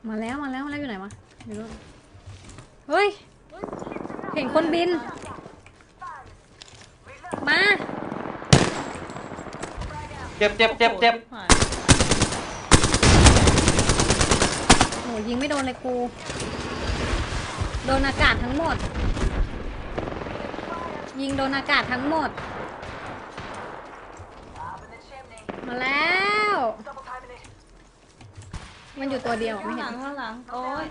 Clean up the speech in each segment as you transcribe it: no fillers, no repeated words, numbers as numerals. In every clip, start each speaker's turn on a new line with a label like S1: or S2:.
S1: มาแล้วอยู่ไหนวะอยู่นู่นเฮ้ยเห็นคนบินมา
S2: เจ็บ
S1: โหยิงไม่โดนเลยกูโดนอากาศทั้งหมดยิงโดนอากาศทั้งหมดมาแล้วมันอยู่ตัวเดียวไม่เห็น
S3: ข้างหลังโอ้ย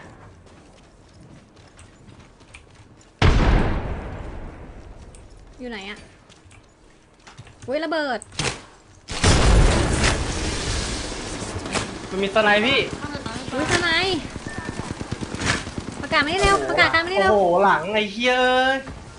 S1: อยู่ไหนอะอุ้ยระเบิด
S2: มันมีสไนพี่
S1: อุ้ยทำไมประกาศไม่ได้เร็วประกาศการไม่ได้เร็ว
S2: โอ้โหหลังไอ้เหี้ยเอ้ย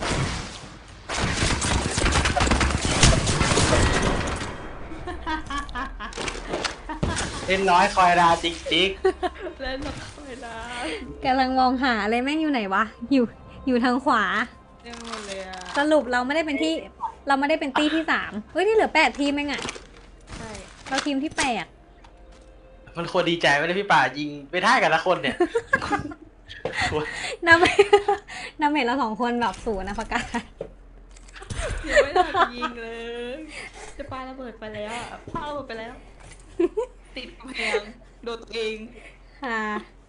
S2: เล่นน้อยคอยดาจิ๊ก
S3: เล่นละครได้
S1: กำลังมองหาเลยแม่งอยู่ไหนวะอยู่ทางขวา
S3: เต็มหมดเลยอะ
S1: สรุปเราไม่ได้เป็นตี้ที่3เฮ้ยที่เหลือ8ทีมเองอะ
S3: ใช่
S1: เราทีมที่
S2: มันควรดีใจไม่ได้พี่ป่ายิงไปท่ากันละคนเนี่ย
S1: 8น้ำเมจเรา2คนแบบ0นะประกาศ
S3: ยังไม่ทันยิงเลยจะปาระเบิดไปแล้วอะปาระเบิดไปแล้ว ติดกำแพงโดนตัวเอง
S1: ค่ะ